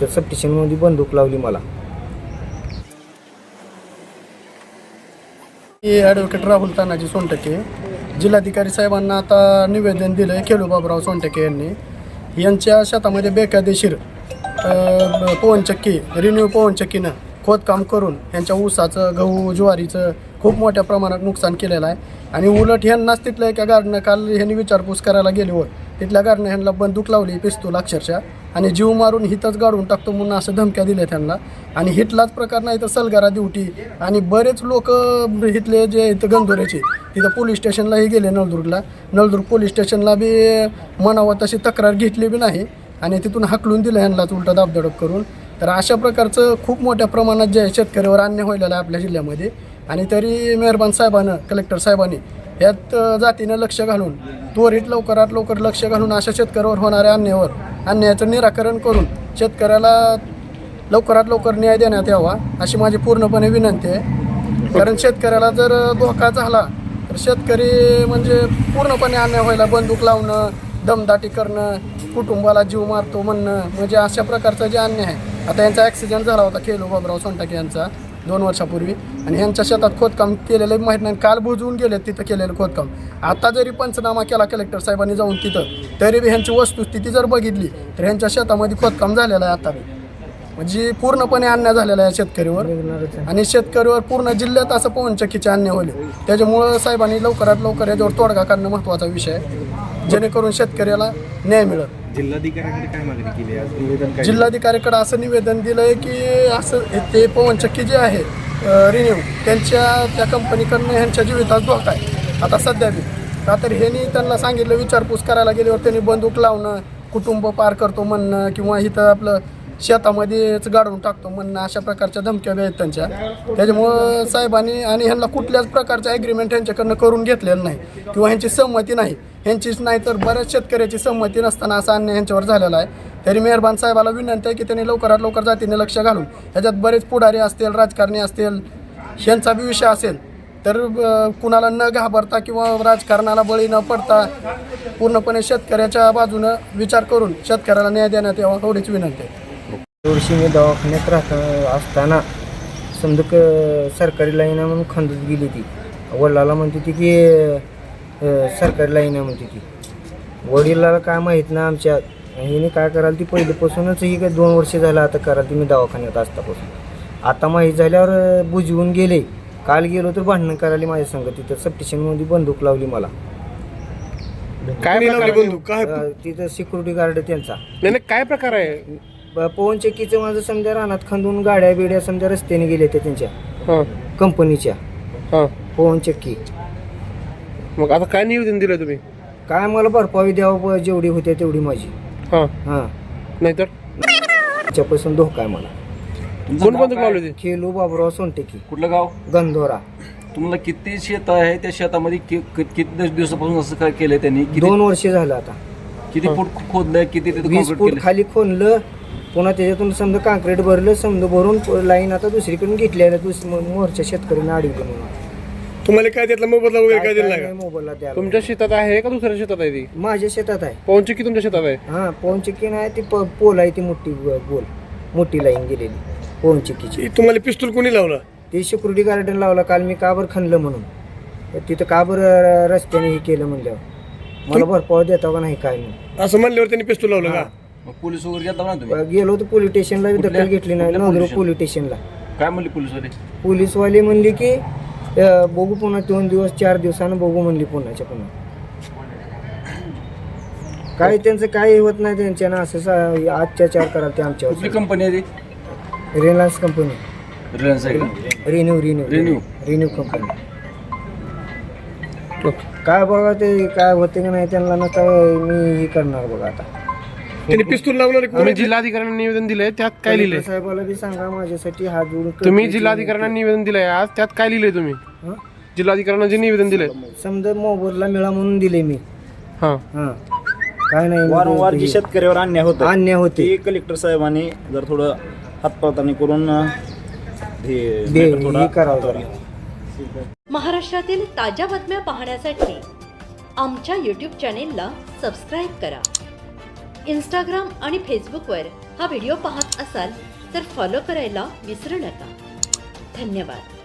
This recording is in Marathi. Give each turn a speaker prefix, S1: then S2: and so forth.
S1: तिथं सब स्टेशनमध्ये बंदूक लावली मला.
S2: ॲडव्होकेट राहुल तानाजी सोनटके, जिल्हाधिकारी साहेबांना आता निवेदन दिलं आहे खेडूबाबराव सोनटके यांनी. यांच्या शेतामध्ये बेकायदेशीर पवनचक्की रिन्यू पवनचक्कीनं खोदकाम करून यांच्या ऊसाचं, गहू, ज्वारीचं खूप मोठ्या प्रमाणात नुकसान केलेलं आहे. आणि उलट ह्यांनाच तिथलं एका गार्डनं काल ह्यांनी विचारपूस करायला गेल्यावर तिथल्या गार्डनं ह्यांना बंदूक लावली, पिस्तूल अक्षरशः, आणि जीव मारून हितच गाडून टाकतो म्हणून असं धमक्या दिल्या त्यांना. आणि हिटलाच प्रकार नाही तर सलगारा ड्युटी आणि बरेच लोक इथले जे इथं गंधोऱ्याचे तिथं पोलीस स्टेशनलाही गेले. नळदुर्ग पोलीस स्टेशनला बी म्हणावं तशी तक्रार घेतली बी नाही आणि तिथून हाकलून दिलं ह्यांनाच उलटा दाबदडप करून. तर अशा प्रकारचं खूप मोठ्या प्रमाणात जे शेतकऱ्यावर अन्याय व्हायला आहे आपल्या जिल्ह्यामध्ये. आणि तरी मेहरबान साहेबानं, कलेक्टर साहेबांनी यात जातीनं लक्ष घालून त्वरित लवकरात लवकर लक्ष घालून अशा शेतकऱ्यावर होणाऱ्या अन्यायाचं निराकरण करून शेतकऱ्याला लवकरात लवकर न्याय देण्यात यावा अशी माझी पूर्णपणे विनंती आहे. कारण शेतकऱ्याला जर धोका झाला तर शेतकरी म्हणजे पूर्णपणे अन्याय व्हायला, बंदूक लावणं, दमदाटी करणं, कुटुंबाला जीव मारतो म्हणणं, म्हणजे अशा प्रकारचा जे अन्याय आहे. आता यांचा ॲक्सिडेंट झाला होता खेडूबाबराव सोनटके यांचा 2 वर्षापूर्वी आणि ह्यांच्या शेतात खोदकाम केलेलं माहीत नाही, काल बुजवून गेले तिथं केलेलं खोदकाम. आता जरी पंचनामा केला कलेक्टर साहेबांनी जाऊन तिथं, तरी बी ह्यांची वस्तुस्थिती जर बघितली तर ह्यांच्या शेतामध्ये खोदकाम झालेलं आहे आता बी. म्हणजे पूर्णपणे अन्याय झालेला आहे शेतकरीवर आणि शेतकरीवर पूर्ण जिल्ह्यात असं पवनचक्कीचे अन्याय होले. त्याच्यामुळं साहेबांनी लवकरात लवकर याच्यावर तोडगा काढणं महत्त्वाचा विषय आहे, जेणेकरून शेतकऱ्याला न्याय मिळेल.
S3: जिल्हाधिकाऱ्यांकडे काय मागणी केली आहे? निवेदन
S2: जिल्हाधिकाऱ्याकडे असं निवेदन दिलं आहे की असं ते पवनचक्की जे आहे रिन्यू त्या कंपनीकडनं ह्यांच्या जीवितात धोका आहे आता सध्या बी. का तर ह्यांनी त्यांना सांगितलं, विचारपूस करायला गेल्यावर त्यांनी बंदूक लावणं, कुटुंब पार करतो म्हणणं किंवा इथं आपलं शेतामध्येच गाडून टाकतो म्हणणं, अशा प्रकारच्या धमक्या आहेत त्यांच्या. त्याच्यामुळं साहेबांनी आणि ह्यांना कुठल्याच प्रकारचं ॲग्रीमेंट ह्यांच्याकडनं करून घेतलेलं नाही किंवा ह्यांची संमती नाही, ह्यांचीच नाही तर बऱ्याच शेतकऱ्याची संमती नसताना असा अन्याय ह्यांच्यावर झालेला आहे. तरी मेहरबान साहेबाला विनंती आहे की त्यांनी लवकरात लवकर जातीने लक्ष घालून ह्याच्यात बरेच पुढारी असतील, राजकारणी असतील, ह्यांचा बी विषय असेल तर कुणाला न घाबरता किंवा राजकारणाला बळी न पडता पूर्णपणे शेतकऱ्याच्या बाजूनं विचार करून शेतकऱ्याला न्याय देण्यात यावा एवढीच विनंती आहे.
S1: वर्षी मी दवाखान्यात असताना समजा सरकारी लाईन आहे म्हणून खंदूत गेली ती. वडिलाला म्हणते ती की सरकारी लाईन आहे म्हणते ती. वडिलाला काय माहीत ना आमच्या हिने काय कराल ती पहिल्यापासूनच ही काय 2 वर्ष झालं आता कराल ती मी दवाखान्यात असतापासून. आता माहीत झाल्यावर बुजवून गेले. काल गेलो तर भांडणं करायला माझ्या संग. तिथं सब स्टेशनमध्ये बंदूक लावली मला.
S2: काय बंदूक
S1: तिथं सिक्युरिटी गार्ड त्यांचा.
S2: काय प्रकार आहे?
S1: पवनचक्कीचं माझं समजा रानात खंदून गाड्या बिड्या समजा रस्त्याने गेल्या त्या त्यांच्या कंपनीच्या पवनचक्की.
S2: मग आता काय निवेदन दिलं तुम्ही?
S1: काय मला भरपाई द्यावं जेवढी होते तेवढी माझी.
S2: नाहीतर
S1: त्याच्यापासून धोका आहे मला.
S2: कोण बंदूक लावली?
S1: खेलू बाबराव सोनटकी.
S3: कुठलं गाव?
S1: गंधोरा.
S3: तुम्हाला किती शेत आहे? त्या शेतामध्ये किती दिवसापासून असं काय केलंय त्यांनी?
S1: 2 वर्ष झालं आता.
S3: किती फूट खोदलंय? किती
S1: 20 फूट खाली खोदलं, पुन्हा त्याच्यातून समजा काँक्रीट भरलं, समजा भरून लाईन आता दुसरीकडून घेतलेल्या मोर्चा शेतकऱ्यांना अडवलं म्हणून.
S2: तुम्हाला काय त्यातला मोबदला वगैरे काय दिला
S1: नाही मोबाईलला द्यायला.
S2: तुमच्या शेतात आहे का दुसऱ्या शेतात आहे ती?
S1: माझ्या शेतात आहे.
S2: पवनचक्की तुमच्या शेतात आहे?
S1: पवनचक्की नाही ती पोल आहे ती मोठी गोल मोठी लाईन गेलेली पवनचक्कीची.
S2: तुम्हाला पिस्तूल कोणी लावला?
S1: ते सिक्युरिटी गार्डन लावला काल मी काबर खणलं म्हणून. तिथं काबर रस्त्याने हे केलं म्हणल्यावर मला भरपाव देता का नाही काय नाही
S2: असं म्हणल्यावर त्यांनी पिस्तूल लावलं का?
S3: पोलीस वगैरे गेला ना तुम्ही?
S1: गेलो होतो पोलीस स्टेशनला, दखल घेतली नाही. नळदुर्ग पोलीस स्टेशनला.
S3: काय म्हणले पोलीसवाले?
S1: पोलीसवाले म्हणले की बघू पुन्हा 2 दिवस 4 दिवसानं बघू म्हणली पुन्हा. काय त्यांचं काय होत नाही त्यांच्यानं असं अत्याचार कराल ते आमच्यावर.
S3: कुठली कंपनी आहे ती?
S1: Reliance company.
S3: रिलायन्स आहे का?
S1: रिन्यू कंपनी. काय बघा ते काय होते का नाही त्यांना ना काय मी हे करणार बघा आता.
S2: त्यांनी पिस्तूल लावणार. तुम्ही जिल्हाधिकाऱ्यांना निवेदन दिलंय त्यात काय लिहिलंय?
S1: साहेबाला बी सांगा माझ्यासाठी हात जोडून.
S2: तुम्ही जिल्हाधिकाऱ्यांना निवेदन दिलंय आज, त्यात काय लिहिलंय तुम्ही? जिल्हाधिकाऱ्यांना जे निवेदन दिलंय
S1: समजा मोबदला मिळा म्हणून दिले मी. काय नाही
S4: वारंवार जी शेतकऱ्यावर अन्याय होते
S1: ते
S4: कलेक्टर साहेबांनी जर थोडं हातपळतानी करून
S1: हे करावं.
S5: महाराष्ट्रातील ताज्या बातम्या पाहण्यासाठी आमच्या YouTube चॅनेलला सबस्क्राईब करा. इंस्टाग्राम आणि फेसबुकवर हा व्हिडिओ पाहत असाल तर फॉलो करायला विसरू नका. धन्यवाद.